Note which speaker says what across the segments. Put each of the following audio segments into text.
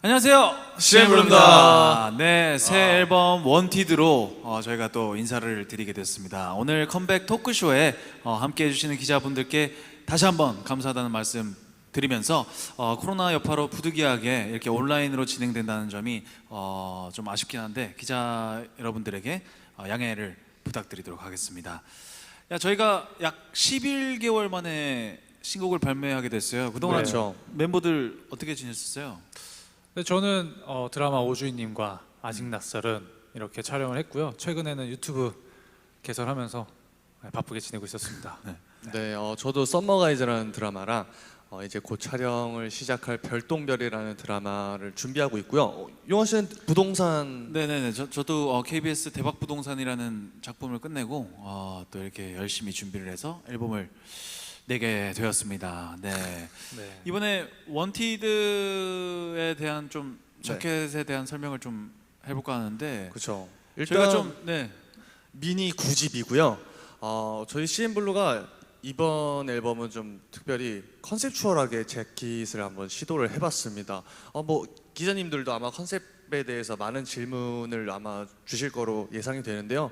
Speaker 1: 안녕하세요,
Speaker 2: CN블루입니다.
Speaker 1: 네, 새 앨범 원티드로 저희가 또 인사를 드리게 됐습니다. 오늘 컴백 토크쇼에 함께 해주시는 기자분들께 다시 한번 감사하다는 말씀 드리면서 코로나 여파로 부득이하게 이렇게 온라인으로 진행된다는 점이 좀 아쉽긴 한데 기자 여러분들에게 양해를 부탁드리도록 하겠습니다. 저희가 약 11개월 만에 신곡을 발매하게 됐어요. 그동안
Speaker 2: 그렇죠.
Speaker 1: 멤버들 어떻게 지냈었어요?
Speaker 3: 네, 저는 드라마 오주인님과 아직 낯설은 이렇게 촬영을 했고요. 최근에는 유튜브 개설하면서 바쁘게 지내고 있었습니다.
Speaker 2: 네, 저도 썸머가이즈라는 드라마랑 이제 곧 촬영을 시작할 별똥별이라는 드라마를 준비하고 있고요. 용화 씨는 부동산.
Speaker 1: 네네네. 저도 KBS 대박부동산이라는 작품을 끝내고 또 이렇게 열심히 준비를 해서 앨범을 내게 되었습니다. 네.
Speaker 3: 네.
Speaker 1: 이번에 원티드에 대한 좀 자켓에 대한 설명을 좀 해볼까 하는데
Speaker 2: 그렇죠.
Speaker 1: 저희가
Speaker 2: 일단
Speaker 1: 좀
Speaker 2: 미니 9집이고요. 저희 CN블루가 이번 앨범은 좀 특별히 컨셉추얼하게 재킷을 한번 시도를 해봤습니다. 뭐 기자님들도 아마 컨셉에 대해서 많은 질문을 아마 주실 거로 예상이 되는데요.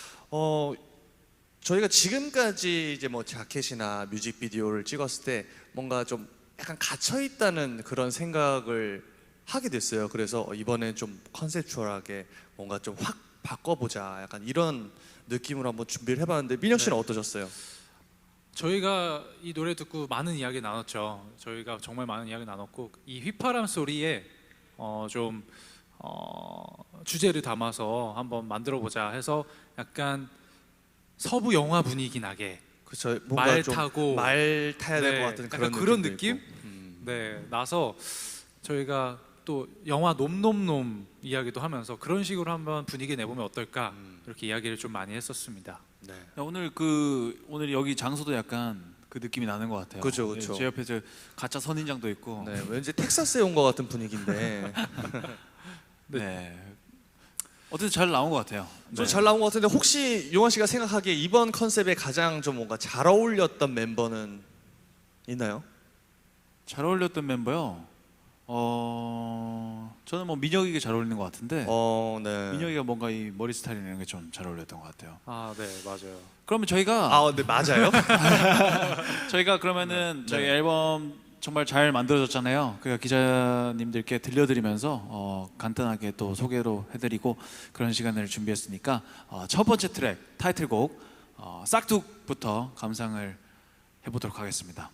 Speaker 2: 저희가 지금까지 이제 뭐 자켓이나 뮤직비디오를 찍었을 때 뭔가 좀 약간 갇혀 있다는 그런 생각을 하게 됐어요. 그래서 이번에 좀 컨셉추얼하게 뭔가 좀 확 바꿔보자, 약간 이런 느낌으로 한번 준비를 해봤는데 민혁 씨는 어떠셨어요?
Speaker 3: 저희가 이 노래 듣고 많은 이야기 나눴죠. 저희가 정말 많은 이야기 나눴고 이 휘파람 소리에 좀 주제를 담아서 한번 만들어보자 해서 약간 서부 영화 분위기 나게
Speaker 2: 그렇죠. 뭔가
Speaker 3: 말
Speaker 2: 좀
Speaker 3: 타고
Speaker 2: 말 타야 될 것 같은
Speaker 3: 약간
Speaker 2: 그런
Speaker 3: 그런
Speaker 2: 느낌도
Speaker 3: 느낌?
Speaker 2: 있고.
Speaker 3: 네, 나서 저희가 또 영화 놈놈놈 이야기도 하면서 그런 식으로 한번 분위기 내보면 어떨까 이렇게 이야기를 좀 많이 했었습니다.
Speaker 2: 네.
Speaker 1: 오늘 여기 장소도 약간 그 느낌이 나는 것 같아요.
Speaker 2: 그죠, 그죠.
Speaker 1: 제 옆에 저 가짜 선인장도 있고.
Speaker 2: 네, 왠지 텍사스에 온 것 같은 분위기인데
Speaker 1: 네. 어쨌든 잘 나온 것 같아요.
Speaker 2: 좀 잘 나온 것 같은데 혹시 용환 씨가 생각하기에 이번 컨셉에 가장 좀 뭔가 잘 어울렸던 멤버는 있나요?
Speaker 1: 잘 어울렸던 멤버요. 저는 뭐 민혁이가 잘 어울리는 것 같은데.
Speaker 2: 네.
Speaker 1: 민혁이가 뭔가 이 머리 스타일 이런 게 좀 잘 어울렸던 것 같아요.
Speaker 3: 아, 네, 맞아요.
Speaker 1: 그러면 저희가
Speaker 2: 네, 맞아요.
Speaker 1: 저희가 그러면은 저희 앨범 정말 잘 만들어졌잖아요. 그러니까 기자님들께 들려드리면서 간단하게 또 소개로 해드리고 그런 시간을 준비했으니까 첫 번째 트랙 타이틀곡 싹둑부터 감상을 해보도록 하겠습니다.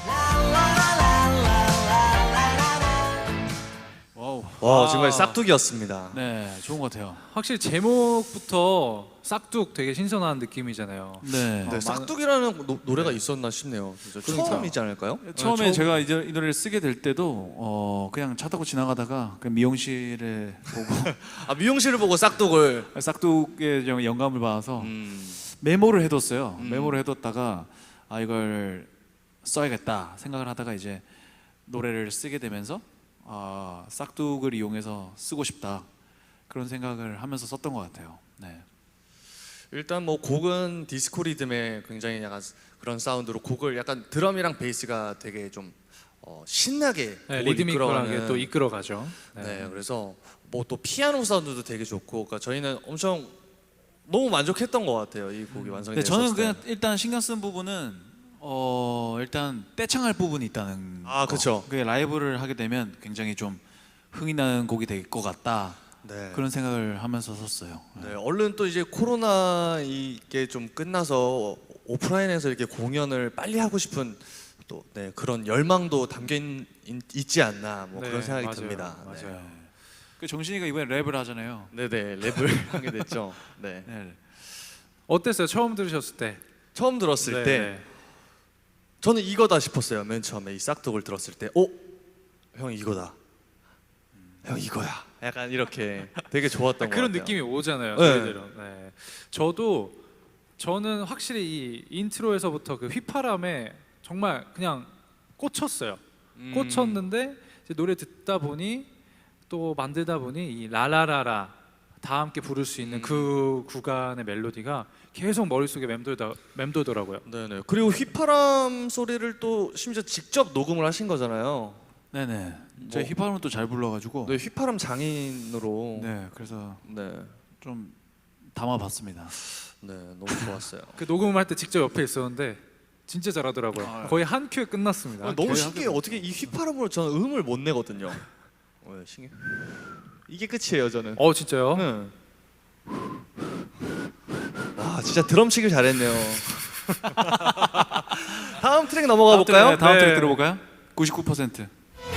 Speaker 1: 와우.
Speaker 2: 와, 정말 싹둑이었습니다.
Speaker 1: 네, 좋은 것 같아요.
Speaker 3: 확실히 제목부터 싹둑 되게 신선한 느낌이잖아요.
Speaker 1: 네.
Speaker 2: 네, 싹둑이라는 노래가 있었나 싶네요. 진짜
Speaker 1: 그러니까.
Speaker 2: 처음이지 않을까요?
Speaker 1: 처음에
Speaker 3: 처음-
Speaker 1: 제가 이제 이 노래를 쓰게 될 때도 그냥 차 타고 지나가다가 그 미용실에 보고
Speaker 2: 미용실을 보고 싹둑을.
Speaker 1: 싹둑의 좀 영감을 받아서 메모를 해뒀어요. 메모를 해뒀다가 이걸 써야겠다 생각을 하다가 이제 노래를 쓰게 되면서 싹둑을 이용해서 쓰고 싶다 그런 생각을 하면서 썼던 것 같아요. 네.
Speaker 2: 일단 뭐 곡은 디스코 리듬의 굉장히 약간 그런 사운드로 곡을 약간 드럼이랑 베이스가 되게 좀 신나게
Speaker 3: 네,
Speaker 2: 곡을
Speaker 3: 리드미컬하게
Speaker 2: 이끌어가는.
Speaker 3: 또 이끌어가죠.
Speaker 2: 네, 그래서 뭐 또 피아노 사운드도 되게 좋고, 그러니까 저희는 엄청 너무 만족했던 것 같아요. 이 곡이 완성이
Speaker 1: 네,
Speaker 2: 됐을 때.
Speaker 1: 저는 그냥 일단 신경 쓴 부분은 일단 떼창할 부분이 있다는 거.
Speaker 2: 그쵸.
Speaker 1: 그게 라이브를 하게 되면 굉장히 좀 흥이 나는 곡이 될 것 같다
Speaker 2: 네.
Speaker 1: 그런 생각을 하면서 썼어요.
Speaker 2: 네, 얼른 또 이제 코로나 이게 좀 끝나서 오프라인에서 이렇게 공연을 빨리 하고 싶은 또 그런 열망도 담겨 있지 않나 뭐
Speaker 3: 네,
Speaker 2: 그런 생각이
Speaker 3: 맞아요.
Speaker 2: 듭니다.
Speaker 3: 맞아요.
Speaker 1: 그 정신이가 이번에 랩을 하잖아요.
Speaker 2: 네, 랩을 하게 됐죠. 네.
Speaker 1: 네.
Speaker 3: 어땠어요? 처음 들으셨을 때?
Speaker 2: 처음 들었을
Speaker 3: 네,
Speaker 2: 때
Speaker 3: 네.
Speaker 2: 저는 이거다 싶었어요. 맨 처음에 이 싹둑을 들었을 때, 형 이거다. 형 이거야. 약간 이렇게 되게 좋았던 것
Speaker 3: 그런
Speaker 2: 같아요.
Speaker 3: 느낌이 오잖아요.
Speaker 2: 네.
Speaker 3: 저희들은. 네. 저는 확실히 이 인트로에서부터 그 휘파람에 정말 그냥 꽂혔어요. 꽂혔는데 이제 노래 듣다 보니 또 만들다 보니 이 라라라라 다 함께 부를 수 있는 그 구간의 멜로디가 계속 머릿속에 맴돌더라고요.
Speaker 2: 네네. 그리고 휘파람 소리를 또 심지어 직접 녹음을 하신 거잖아요.
Speaker 1: 네네. 제가 힙합은 또 잘 불러가지고.
Speaker 2: 네, 휘파람 장인으로.
Speaker 1: 네, 그래서
Speaker 2: 네,
Speaker 1: 좀 담아봤습니다.
Speaker 2: 네, 너무 좋았어요.
Speaker 3: 그 녹음할 때 직접 옆에 있었는데 진짜 잘하더라고요. 거의 한 큐에 끝났습니다.
Speaker 2: 너무 신기해요. 어떻게 이 휘파람으로 저는 음을 못 내거든요. 신기해. 이게 끝이에요, 저는.
Speaker 3: 진짜요?
Speaker 2: 네. 와, 진짜 드럼 치길 잘했네요. 다음 트랙 넘어가 볼까요?
Speaker 1: 네, 다음
Speaker 3: 네.
Speaker 1: 트랙 들어볼까요? 99%.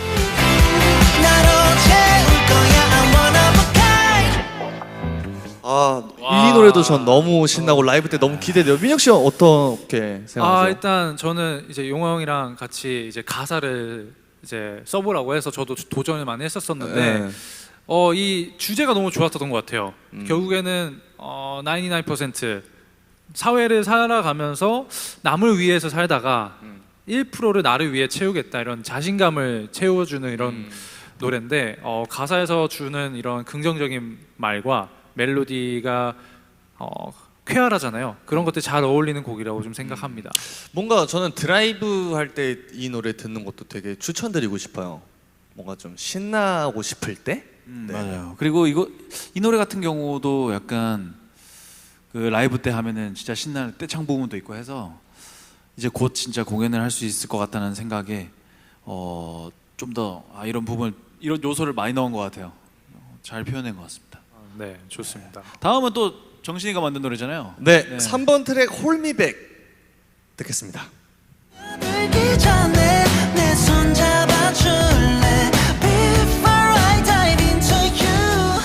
Speaker 2: 이 노래도 전 너무 신나고 라이브 때 너무 기대돼요. 민혁 씨 어떻게 생각하세요?
Speaker 3: 일단 저는 이제 용화 형이랑 같이 이제 가사를 이제 써보라고 해서 저도 도전을 많이 했었었는데
Speaker 2: 네.
Speaker 3: 이 주제가 너무 좋았던 것 같아요. 결국에는 99% 사회를 살아가면서 남을 위해서 살다가 1%를 나를 위해 채우겠다 이런 자신감을 채워주는 이런 노래인데 가사에서 주는 이런 긍정적인 말과 멜로디가 쾌활하잖아요. 그런 것들 잘 어울리는 곡이라고 좀 생각합니다.
Speaker 2: 뭔가 저는 드라이브 할 때 이 노래 듣는 것도 되게 추천드리고 싶어요. 뭔가 좀 신나고 싶을 때. 네.
Speaker 1: 맞아요. 그리고 이 노래 같은 경우도 약간 그 라이브 때 하면은 진짜 신나는 떼창 부분도 있고 해서 이제 곧 진짜 공연을 할 수 있을 것 같다는 생각에 좀 더 이런 부분 이런 요소를 많이 넣은 것 같아요. 잘 표현된 것 같습니다.
Speaker 3: 네, 좋습니다.
Speaker 1: 다음은 또 정신이가 만든 노래잖아요.
Speaker 2: 네,
Speaker 1: 네.
Speaker 2: 3번 트랙 홀미백 듣겠습니다.
Speaker 4: 들기 전에 내 손 잡아줄래 Before I dive into you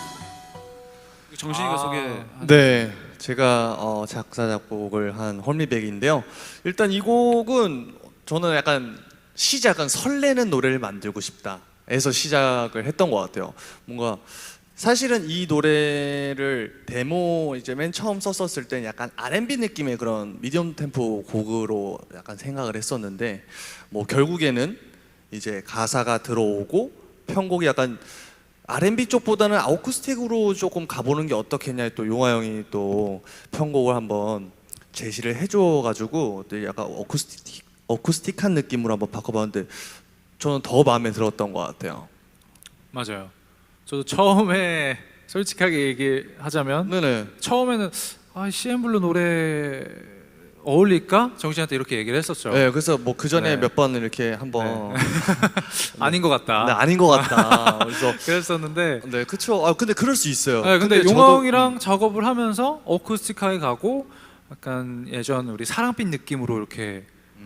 Speaker 1: 정신이가 소개.
Speaker 2: 네, 제가 작사 작곡을 한 홀미백인데요. 일단 이 곡은 저는 약간 시작은 설레는 노래를 만들고 싶다에서 시작을 했던 것 같아요. 뭔가 사실은 이 노래를 데모 이제 맨 처음 썼었을 때 약간 R&B 느낌의 그런 미디엄 템포 곡으로 약간 생각을 했었는데 뭐 결국에는 이제 가사가 들어오고 편곡이 약간 R&B 쪽보다는 아쿠스틱으로 조금 가보는 게 어떻겠냐 또 용화 형이 또 편곡을 한번 제시를 해줘가지고 약간 어쿠스틱한 느낌으로 한번 바꿔봤는데 저는 더 마음에 들었던 것 같아요.
Speaker 3: 맞아요. 저도 처음에 솔직하게 얘기하자면
Speaker 2: 네네.
Speaker 3: 처음에는 CN블루 노래 어울릴까? 정신한테 이렇게 얘기를 했었죠.
Speaker 2: 네, 그래서 뭐 그 전에
Speaker 3: 네.
Speaker 2: 몇 번 이렇게 한번
Speaker 3: 아닌 것 같다.
Speaker 2: 네, 아닌 것 같다. 그래서
Speaker 3: 그랬었는데
Speaker 2: 네, 그쵸. 근데 그럴 수 있어요.
Speaker 3: 네, 근데
Speaker 2: 저도-
Speaker 3: 용화 형이랑 작업을 하면서 어쿠스틱하게 가고 약간 예전 우리 사랑빛 느낌으로 이렇게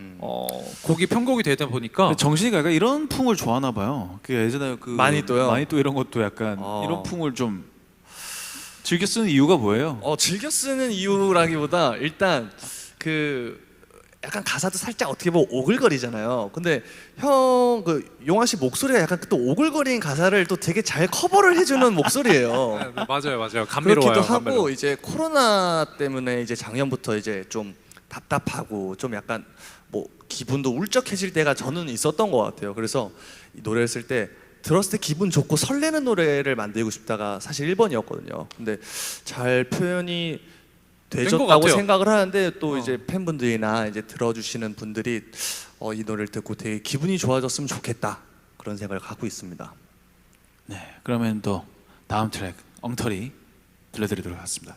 Speaker 3: 곡이 편곡이 되다 보니까
Speaker 1: 근데 정신이가 약간 이런 풍을 좋아하나 봐요. 그 예전에 그
Speaker 2: 마니또요?
Speaker 1: 마니또 이런 것도 약간
Speaker 2: 어.
Speaker 1: 이런 풍을 좀 즐겨 쓰는 이유가 뭐예요?
Speaker 2: 즐겨 쓰는 이유라기보다 일단 그 약간 가사도 살짝 어떻게 보면 오글거리잖아요. 근데 형 그 용화 씨 목소리가 약간 또 오글거리는 가사를 또 되게 잘 커버를 해주는 목소리예요.
Speaker 3: 네, 맞아요. 감미로워요.
Speaker 2: 그렇기도 하고
Speaker 3: 감미로워.
Speaker 2: 이제 코로나 때문에 이제 작년부터 이제 좀 답답하고 좀 약간 뭐 기분도 울적해질 때가 저는 있었던 것 같아요. 그래서 이 노래를 쓸 때 들었을 때 기분 좋고 설레는 노래를 만들고 싶다가 사실 1번이었거든요. 근데 잘 표현이
Speaker 3: 것
Speaker 2: 되셨다고
Speaker 3: 같아요.
Speaker 2: 생각을 하는데 또 이제 팬분들이나 이제 들어주시는 분들이 이 노래를 듣고 되게 기분이 좋아졌으면 좋겠다 그런 생각을 갖고 있습니다.
Speaker 1: 네, 그러면 또 다음 트랙 엉터리 들려드리도록 하겠습니다.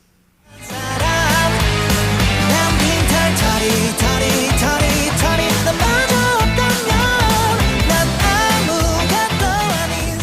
Speaker 4: 난 빈털 털이 너 마저 없다면 난 아무것도 아닌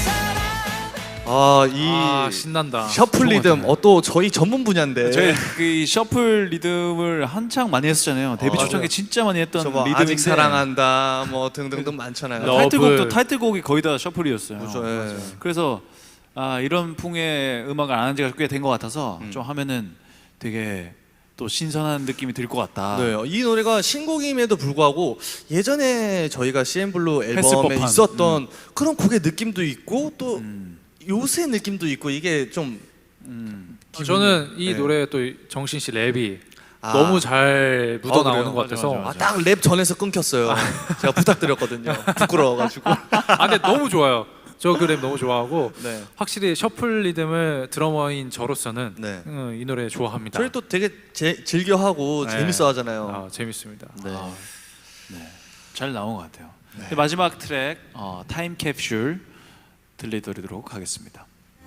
Speaker 4: 사람
Speaker 2: 이
Speaker 3: 신난다.
Speaker 2: 셔플 리듬
Speaker 1: 좋은 것
Speaker 2: 또 저희 전문 분야인데
Speaker 1: 저희 그 셔플 리듬을 한창 많이 했었잖아요. 데뷔 초창기 진짜 많이 했던
Speaker 2: 저 뭐
Speaker 1: 리듬인데
Speaker 2: 아직 사랑한다 뭐 등등등 많잖아요.
Speaker 3: 너-
Speaker 1: 타이틀곡도
Speaker 3: 러브.
Speaker 1: 타이틀곡이 거의 다 셔플이었어요.
Speaker 2: 그렇죠, 예.
Speaker 1: 그래서 이런 풍의 음악을 안 한 지가 꽤 된 것 같아서 좀 하면은 되게 또 신선한 느낌이 들 것 같다.
Speaker 2: 네, 이 노래가 신곡임에도 불구하고 예전에 저희가 CN블루
Speaker 1: 했을
Speaker 2: 앨범에
Speaker 1: 법한,
Speaker 2: 있었던 그런 곡의 느낌도 있고 또
Speaker 1: 음.
Speaker 2: 요새 느낌도 있고 이게 좀
Speaker 3: 저는 이
Speaker 2: 네.
Speaker 3: 노래 또 정신 씨 랩이
Speaker 2: 아.
Speaker 3: 너무 잘 묻어 나오는
Speaker 2: 그래요?
Speaker 3: 것 같아서
Speaker 1: 맞아.
Speaker 2: 딱 랩 전에서 끊겼어요. 제가 부탁드렸거든요. 부끄러워가지고.
Speaker 3: 근데 너무 좋아요. 저 그 랩 너무 좋아하고
Speaker 2: 네.
Speaker 3: 확실히 셔플 리듬을 드러머인 저로서는
Speaker 2: 네.
Speaker 3: 이 노래 좋아합니다.
Speaker 2: 저희 또 되게 즐겨하고
Speaker 3: 네.
Speaker 2: 재밌어하잖아요.
Speaker 3: 재밌습니다.
Speaker 2: 네.
Speaker 1: 네, 잘 나온 것 같아요. 마지막 트랙 타임 캡슐 들려드리도록 하겠습니다.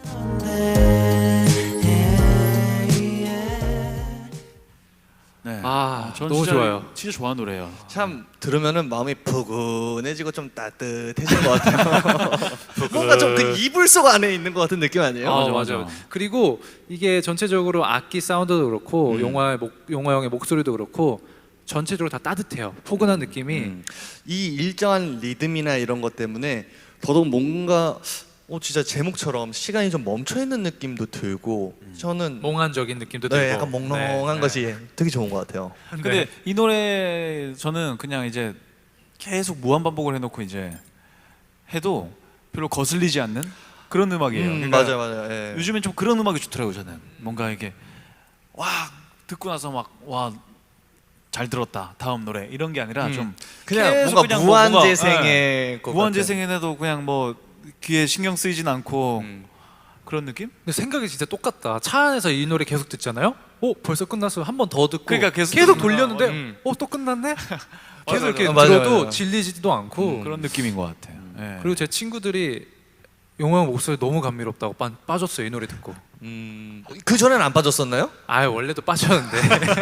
Speaker 1: 네. 저는
Speaker 3: 너무
Speaker 1: 진짜,
Speaker 3: 좋아요.
Speaker 1: 진짜 좋아하는 노래예요.
Speaker 2: 참 들으면은 마음이 포근해지고 좀 따뜻해지는 것 같아요. 뭔가 좀 그 이불 속 안에 있는 것 같은 느낌 아니에요?
Speaker 3: 아,
Speaker 1: 맞아.
Speaker 3: 맞아요. 그리고 이게 전체적으로 악기 사운드도 그렇고 용화 형의 목소리도 그렇고 전체적으로 다 따뜻해요. 포근한 느낌이.
Speaker 2: 이 일정한 리듬이나 이런 것 때문에 더더욱 뭔가 진짜 제목처럼 시간이 좀 멈춰 있는 느낌도 들고 저는
Speaker 3: 몽환적인 느낌도 들고.
Speaker 2: 네, 약간 몽롱한
Speaker 3: 네,
Speaker 2: 것이 되게 좋은 것 같아요.
Speaker 1: 근데 이 노래 저는 그냥 이제 계속 무한 반복을 해놓고 이제 해도 별로 거슬리지 않는 그런 음악이에요. 그러니까
Speaker 2: 맞아요. 예.
Speaker 1: 요즘엔 좀 그런 음악이 좋더라고요. 저는 뭔가 이게 와 듣고 나서 막 와 잘 들었다 다음 노래 이런 게 아니라 좀
Speaker 2: 그냥
Speaker 1: 계속
Speaker 2: 뭔가
Speaker 1: 그냥
Speaker 2: 무한재생의 것
Speaker 1: 무한재생에도 그냥 뭐 귀에 신경 쓰이진 않고 그런 느낌?
Speaker 3: 근데 생각이 진짜 똑같다. 차 안에서 이 노래 계속 듣잖아요. 벌써 끝났어. 한 번 더 듣고.
Speaker 1: 그러니까 계속
Speaker 3: 돌렸는데 또 끝났네. 계속 이렇게
Speaker 2: 맞아요.
Speaker 3: 들어도
Speaker 2: 맞아요.
Speaker 3: 질리지도 않고.
Speaker 1: 그런 느낌인 것 같아요. 예.
Speaker 3: 그리고 제 친구들이 용화 형 목소리 너무 감미롭다고 빠졌어요. 이 노래 듣고.
Speaker 2: 그 전엔 안 빠졌었나요?
Speaker 3: 원래도 빠졌는데.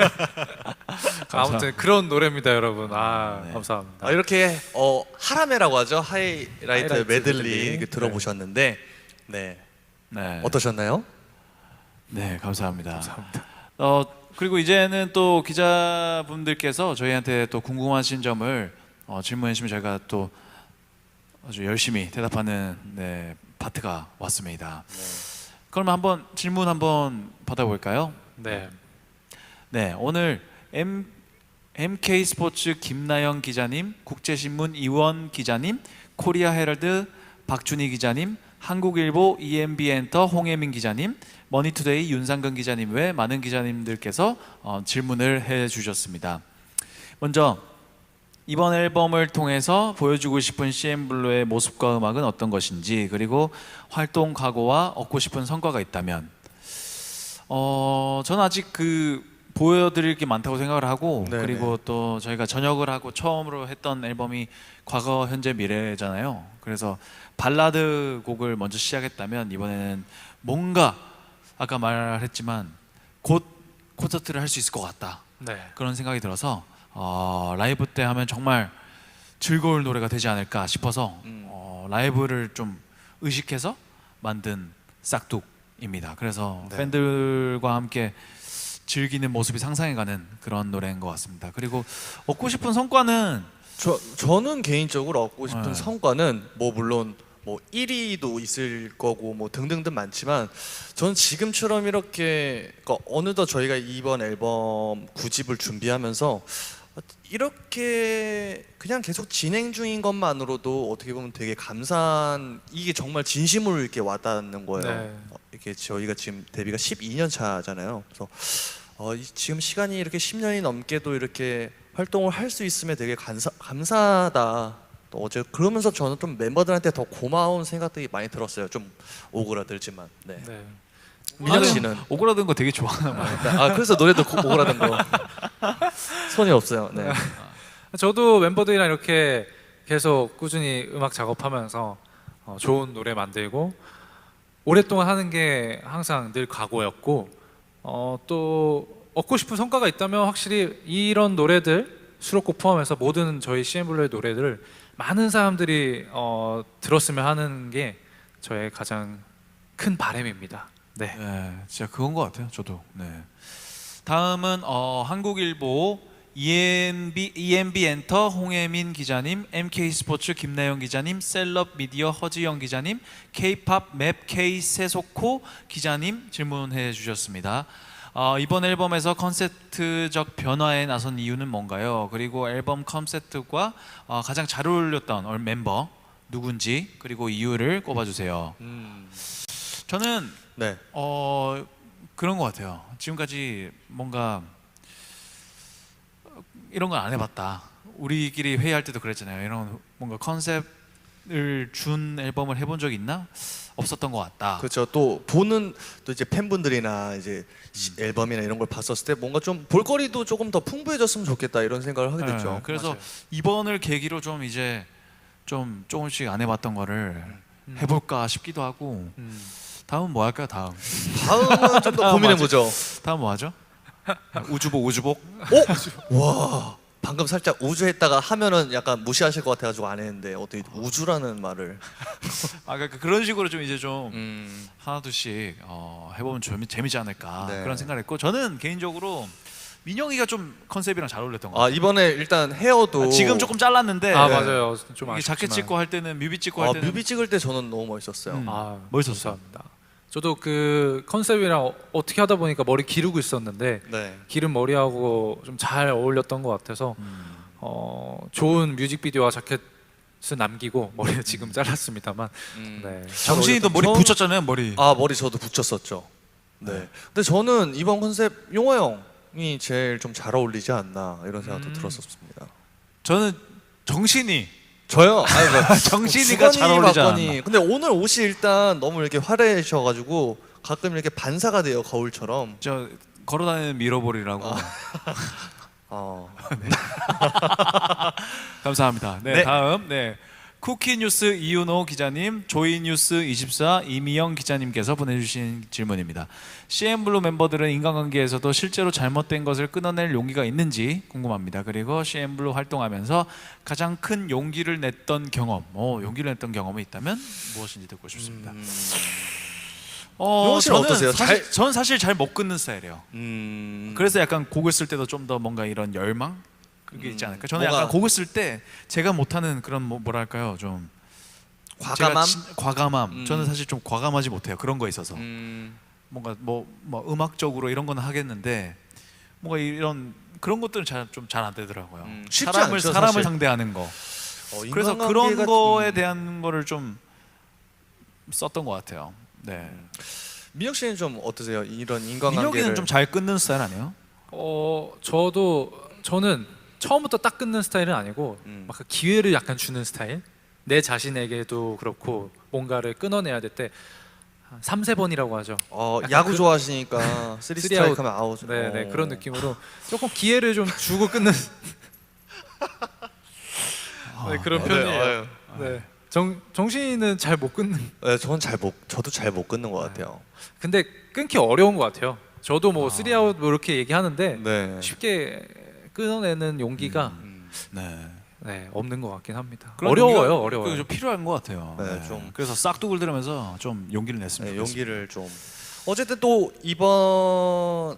Speaker 3: 아무튼 그런 노래입니다, 여러분. 감사합니다.
Speaker 2: 이렇게 하라메라고 하죠. 하이라이트
Speaker 3: 하이라이트
Speaker 2: 메들리
Speaker 3: 메들리.
Speaker 2: 이렇게 들어보셨는데
Speaker 1: 네.
Speaker 2: 어떠셨나요?
Speaker 1: 네, 감사합니다.
Speaker 3: 감사합니다.
Speaker 1: 그리고 이제는 또 기자분들께서 저희한테 또 궁금하신 점을 질문해 주시면 저희가 또 아주 열심히 대답하는 파트가 왔습니다. 그러면 한번 질문 한번 받아볼까요?
Speaker 3: 네.
Speaker 1: 네, 오늘 MK 스포츠 김나영 기자님, 국제신문 이원 기자님, 코리아 헤럴드 박준희 기자님, 한국일보 EMB엔터 홍혜민 기자님, 머니투데이 윤상근 기자님 외 많은 기자님들께서 질문을 해주셨습니다. 먼저 이번 앨범을 통해서 보여주고 싶은 CN블루의 모습과 음악은 어떤 것인지, 그리고 활동 각오와 얻고 싶은 성과가 있다면, 저는 아직 보여드릴 게 많다고 생각을 하고,
Speaker 2: 네네.
Speaker 1: 그리고 또 저희가 전역을 하고 처음으로 했던 앨범이 과거, 현재, 미래잖아요. 그래서 발라드 곡을 먼저 시작했다면 이번에는 뭔가 아까 말했지만 곧 콘서트를 할 수 있을 것 같다,
Speaker 3: 네.
Speaker 1: 그런 생각이 들어서 라이브 때 하면 정말 즐거울 노래가 되지 않을까 싶어서 라이브를 좀 의식해서 만든 싹둑입니다. 그래서 팬들과 함께 즐기는 모습이 상상해가는 그런 노래인 것 같습니다. 그리고 얻고 싶은 성과는
Speaker 2: 저는 개인적으로 얻고 싶은
Speaker 1: 네.
Speaker 2: 성과는 물론 1위도 있을 거고 등등등 많지만 저는 지금처럼 이렇게 어느덧 저희가 이번 앨범 9집을 준비하면서 이렇게 그냥 계속 진행 중인 것만으로도 어떻게 보면 되게 감사한, 이게 정말 진심으로 이렇게 와닿는 거예요.
Speaker 3: 네.
Speaker 2: 이렇게 저희가 지금 데뷔가 12년 차잖아요. 그래서 지금 시간이 이렇게 10년이 넘게도 이렇게 활동을 할 수 있음에 되게 감사하다. 또 어제 그러면서 저는 좀 멤버들한테 더 고마운 생각들이 많이 들었어요. 좀 오그라들지만. 네.
Speaker 3: 네.
Speaker 2: 민혁 씨는
Speaker 1: 오그라든 거 되게 좋아하나 봐요.
Speaker 2: 그래서 노래도 오그라든 거 손이 없어요. 네.
Speaker 3: 저도 멤버들이랑 이렇게 계속 꾸준히 음악 작업하면서 좋은 노래 만들고 오랫동안 하는 게 항상 늘 각오였고, 또 얻고 싶은 성과가 있다면 확실히 이런 노래들 수록곡 포함해서 모든 저희 CN블루의 노래들을 많은 사람들이 들었으면 하는 게 저의 가장 큰 바람입니다. 네.
Speaker 1: 네, 진짜 그건 것 같아요. 저도. 네. 다음은 한국일보 EMB엔터 홍혜민 기자님, MK스포츠 김나영 기자님, 셀럽 미디어 허지영 기자님, K-팝 맵 K 세소코 기자님 질문해 주셨습니다. 이번 앨범에서 컨셉트적 변화에 나선 이유는 뭔가요? 그리고 앨범 컨셉트과 가장 잘 어울렸던 멤버 누군지, 그리고 이유를 꼽아주세요. 저는
Speaker 2: 네.
Speaker 1: 그런 것 같아요. 지금까지 뭔가 이런 건 안 해봤다. 우리끼리 회의할 때도 그랬잖아요. 이런 뭔가 컨셉을 준 앨범을 해본 적 있나? 없었던 것 같다.
Speaker 2: 그렇죠. 또 이제 팬분들이나 이제 앨범이나 이런 걸 봤었을 때 뭔가 좀 볼거리도 조금 더 풍부해졌으면 좋겠다 이런 생각을 하게 됐죠.
Speaker 1: 그래서
Speaker 3: 맞아요.
Speaker 1: 이번을 계기로 좀 이제 조금씩 안 해봤던 거를 해볼까 싶기도 하고. 다음은 뭐 할까요? 다음은
Speaker 2: 좀 더 고민해 보죠.
Speaker 1: 다음 뭐 하죠? 우주복.
Speaker 2: 와, 방금 살짝 우주 했다가 하면은 약간 무시하실 것 같아가지고 안 했는데 어떻게 우주라는 말을.
Speaker 1: 그러니까 그런 식으로 좀 이제 좀
Speaker 2: 음,
Speaker 1: 하나둘씩 해보면 재미지 않을까
Speaker 2: 네.
Speaker 1: 그런 생각을 했고, 저는 개인적으로 민영이가 좀 컨셉이랑 잘 어울렸던 것 같아요.
Speaker 2: 이번에 일단 헤어도
Speaker 1: 지금 조금 잘랐는데
Speaker 3: 아 맞아요. 좀
Speaker 1: 이게
Speaker 3: 아쉽지만.
Speaker 1: 자켓 찍고 할 때는 뮤비 찍고 할 때는
Speaker 2: 뮤비 찍을 때 저는 너무 멋있었어요.
Speaker 1: 멋있었어.
Speaker 3: 감사합니다. 저도 그 컨셉이랑 어떻게 하다 보니까 머리 기르고 있었는데
Speaker 2: 네.
Speaker 3: 기른 머리하고 좀 잘 어울렸던 것 같아서 좋은 뮤직비디오와 자켓을 남기고 머리를 지금 잘랐습니다만 네, 잘
Speaker 1: 정신이도 머리
Speaker 2: 전-
Speaker 1: 붙였잖아요, 머리.
Speaker 2: 머리 저도 붙였었죠. 네. 근데 저는 이번 컨셉 용호 형이 제일 좀 잘 어울리지 않나 이런 생각도 들었었습니다.
Speaker 1: 저는 정신이
Speaker 2: 저요?
Speaker 1: 정신이가 잘 어울리지 않았나.
Speaker 2: 근데 오늘 옷이 일단 너무 이렇게 화려하셔가지고 가끔 이렇게 반사가 돼요, 거울처럼.
Speaker 1: 저 걸어다니는 밀어버리라고. 감사합니다. 네,
Speaker 2: 네.
Speaker 1: 다음 쿠키뉴스 이윤호 기자님, 조이뉴스24 이미영 기자님께서 보내주신 질문입니다. CN블루 멤버들은 인간관계에서도 실제로 잘못된 것을 끊어낼 용기가 있는지 궁금합니다. 그리고 CN블루 활동하면서 가장 큰 용기를 냈던 경험, 용기를 냈던 경험이 있다면 무엇인지 듣고 싶습니다.
Speaker 2: 용호 씨는 어떠세요?
Speaker 1: 저는 사실 잘 못 끊는 스타일이에요. 그래서 약간 곡을 쓸 때도 좀 더 뭔가 이런 열망? 그게 있지 않을까? 저는
Speaker 2: 뭔가-
Speaker 1: 약간 곡을 쓸 때 제가 못하는 그런 뭐랄까요, 좀
Speaker 2: 과감함?
Speaker 1: 과감함. 저는 사실 좀 과감하지 못해요. 그런 거에 있어서
Speaker 2: 음,
Speaker 1: 뭔가 뭐 음악적으로 이런 거는 하겠는데 뭔가 이런 그런 것들은 좀 잘 안 되더라고요.
Speaker 2: 쉽지
Speaker 1: 사람을
Speaker 2: 않죠,
Speaker 1: 사람을
Speaker 2: 사실.
Speaker 1: 상대하는 거. 그래서
Speaker 2: 인간관계가
Speaker 1: 그런
Speaker 2: 좀-
Speaker 1: 거에 대한 거를 좀 썼던 것 같아요. 네.
Speaker 2: 민혁 씨는 좀 어떠세요? 이런 인간관계를.
Speaker 1: 민혁이는 좀 잘 끊는 스타일 아니에요?
Speaker 3: 저는 처음부터 딱 끊는 스타일은 아니고 막그 기회를 약간 주는 스타일. 내 자신에게도 그렇고 뭔가를 끊어내야 될 때 3-4번이라고 하죠.
Speaker 2: 야구 좋아하시니까 3
Speaker 3: 쓰리
Speaker 2: 스트라이크
Speaker 3: 아웃.
Speaker 2: 하면 아웃.
Speaker 3: 네, 그런 느낌으로 조금 기회를 좀 주고 끊는 네, 그런 편이에요. 네. 정신이는 잘 못 끊는.
Speaker 2: 네, 저도 잘 못 끊는 것 같아요.
Speaker 3: 근데 끊기 어려운 것 같아요. 저도 뭐 3아웃 뭐 이렇게 얘기하는데
Speaker 2: 네.
Speaker 3: 쉽게 끊어내는 용기가
Speaker 1: 네.
Speaker 3: 없는 것 같긴 합니다.
Speaker 1: 그런
Speaker 3: 어려워요,
Speaker 1: 용기가
Speaker 3: 어려워요.
Speaker 1: 좀 필요한 것 같아요.
Speaker 2: 네, 좀.
Speaker 1: 그래서 싹둑을 들으면서 좀 용기를 냈습니다.
Speaker 2: 네, 용기를 좀. 어쨌든 또 이번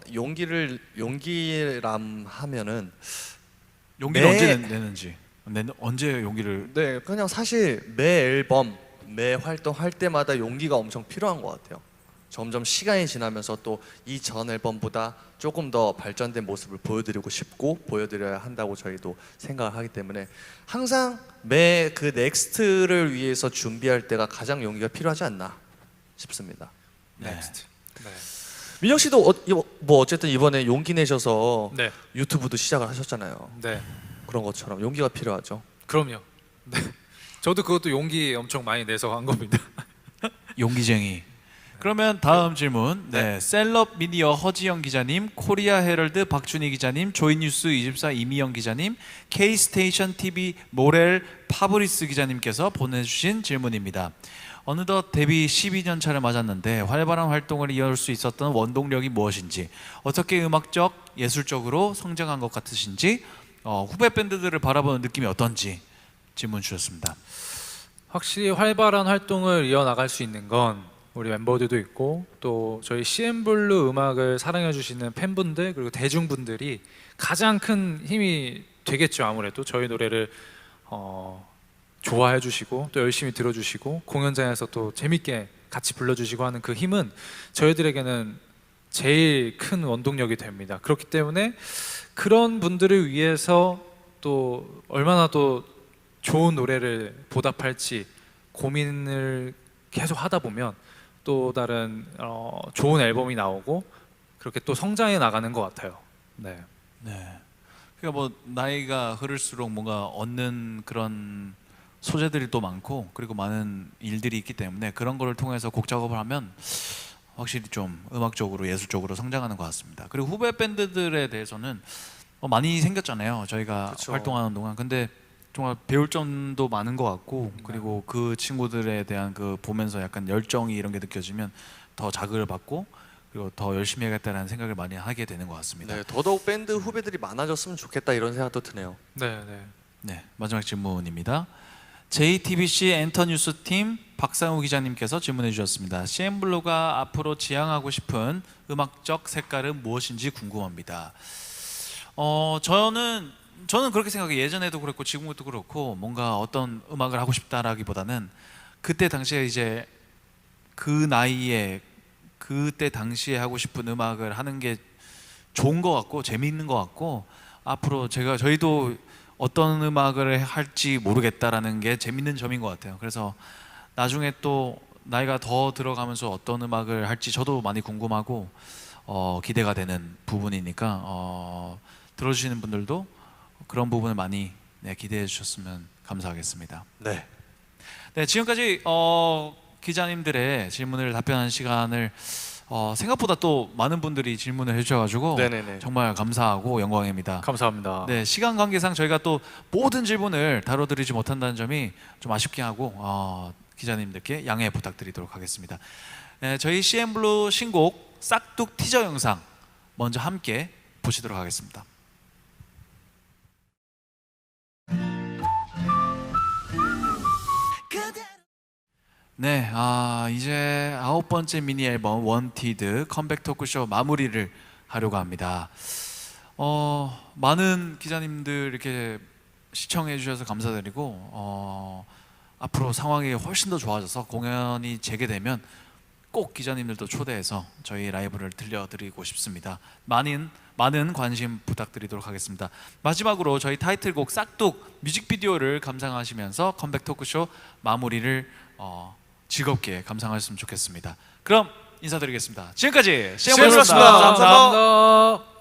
Speaker 2: 용기람 하면은
Speaker 1: 용기를
Speaker 2: 매-
Speaker 1: 언제 내는지, 언제 용기를.
Speaker 2: 네, 그냥 사실 매 앨범, 매 활동할 때마다 용기가 엄청 필요한 것 같아요. 점점 시간이 지나면서 또 이 전 앨범보다 조금 더 발전된 모습을 보여드리고 싶고 보여드려야 한다고 저희도 생각을 하기 때문에 항상 매 그 넥스트를 위해서 준비할 때가 가장 용기가 필요하지 않나 싶습니다.
Speaker 3: 넥스트. 네.
Speaker 2: 민혁 씨도 뭐 어쨌든 이번에 용기 내셔서
Speaker 3: 네.
Speaker 2: 유튜브도 시작을 하셨잖아요.
Speaker 3: 네.
Speaker 2: 그런 것처럼 용기가 필요하죠.
Speaker 3: 그럼요. 네. 저도 그것도 용기 엄청 많이 내서 한 겁니다.
Speaker 1: 용기쟁이. 그러면 다음 질문. 셀럽 미디어 허지영 기자님, 코리아 헤럴드 박준희 기자님, 조이뉴스 24 이미영 기자님, K스테이션 TV 모렐 파브리스 기자님께서 보내주신 질문입니다. 어느덧 데뷔 12년 차를 맞았는데 활발한 활동을 이어올 수 있었던 원동력이 무엇인지, 어떻게 음악적, 예술적으로 성장한 것 같으신지, 후배 밴드들을 바라보는 느낌이 어떤지 질문 주셨습니다.
Speaker 3: 확실히 활발한 활동을 이어나갈 수 있는 건 우리 멤버들도 있고 또 저희 CN블루 음악을 사랑해 주시는 팬분들 그리고 대중분들이 가장 큰 힘이 되겠죠. 아무래도 저희 노래를 좋아해 주시고 또 열심히 들어주시고 공연장에서 또 재밌게 같이 불러주시고 하는 그 힘은 저희들에게는 제일 큰 원동력이 됩니다. 그렇기 때문에 그런 분들을 위해서 또 얼마나 또 좋은 노래를 보답할지 고민을 계속 하다 보면 또 다른 좋은 앨범이 나오고 그렇게 또 성장해 나가는 것 같아요. 네.
Speaker 1: 그러니까 뭐 나이가 흐를수록 뭔가 얻는 그런 소재들이 또 많고 그리고 많은 일들이 있기 때문에 그런 거를 통해서 곡 작업을 하면 확실히 좀 음악적으로 예술적으로 성장하는 것 같습니다. 그리고 후배 밴드들에 대해서는 많이 생겼잖아요. 저희가
Speaker 2: 그쵸.
Speaker 1: 활동하는 동안. 근데 정말 배울 점도 많은 것 같고 그리고 그 친구들에 대한 그 보면서 약간 열정이 이런 게 느껴지면 더 자극을 받고 그리고 더 열심히 해야겠다라는 생각을 많이 하게 되는 것 같습니다.
Speaker 2: 네, 더더욱 밴드 후배들이 많아졌으면 좋겠다 이런 생각도 드네요.
Speaker 3: 네, 네.
Speaker 1: 네, 마지막 질문입니다. JTBC 엔터뉴스 팀 박상우 기자님께서 질문해 주셨습니다. CN블루가 앞으로 지향하고 싶은 음악적 색깔은 무엇인지 궁금합니다. 저는 그렇게 생각해요. 예전에도 그렇고 지금도 그렇고 뭔가 어떤 음악을 하고 싶다라기보다는 그때 당시에 이제 그 나이에 그때 당시에 하고 싶은 음악을 하는 게 좋은 것 같고 재미있는 것 같고 앞으로 저희도 어떤 음악을 할지 모르겠다라는 게 재밌는 점인 것 같아요. 그래서 나중에 또 나이가 더 들어가면서 어떤 음악을 할지 저도 많이 궁금하고 기대가 되는 부분이니까 들어주시는 분들도 그런 부분을 많이 기대해 주셨으면 감사하겠습니다.
Speaker 2: 네.
Speaker 1: 네, 지금까지 기자님들의 질문을 답변하는 시간을 생각보다 또 많은 분들이 질문을 해주셔가지고
Speaker 2: 네네네.
Speaker 1: 정말 감사하고 영광입니다.
Speaker 3: 감사합니다.
Speaker 1: 네, 시간 관계상 저희가 또 모든 질문을 다뤄드리지 못한다는 점이 좀 아쉽게 하고 기자님들께 양해 부탁드리도록 하겠습니다. 네, 저희 CN블루 신곡 싹둑 티저 영상 먼저 함께 보시도록 하겠습니다. 네, 이제 9번째 미니 앨범 원티드 컴백 토크쇼 마무리를 하려고 합니다. 많은 기자님들 이렇게 시청해 주셔서 감사드리고 앞으로 상황이 훨씬 더 좋아져서 공연이 재개되면 꼭 기자님들도 초대해서 저희 라이브를 들려드리고 싶습니다. 많은 관심 부탁드리도록 하겠습니다. 마지막으로 저희 타이틀곡 싹둑 뮤직비디오를 감상하시면서 컴백 토크쇼 마무리를 즐겁게 감상하셨으면 좋겠습니다. 그럼 인사드리겠습니다. 지금까지 CN블루였습니다.
Speaker 2: 감사합니다.
Speaker 3: 감사합니다.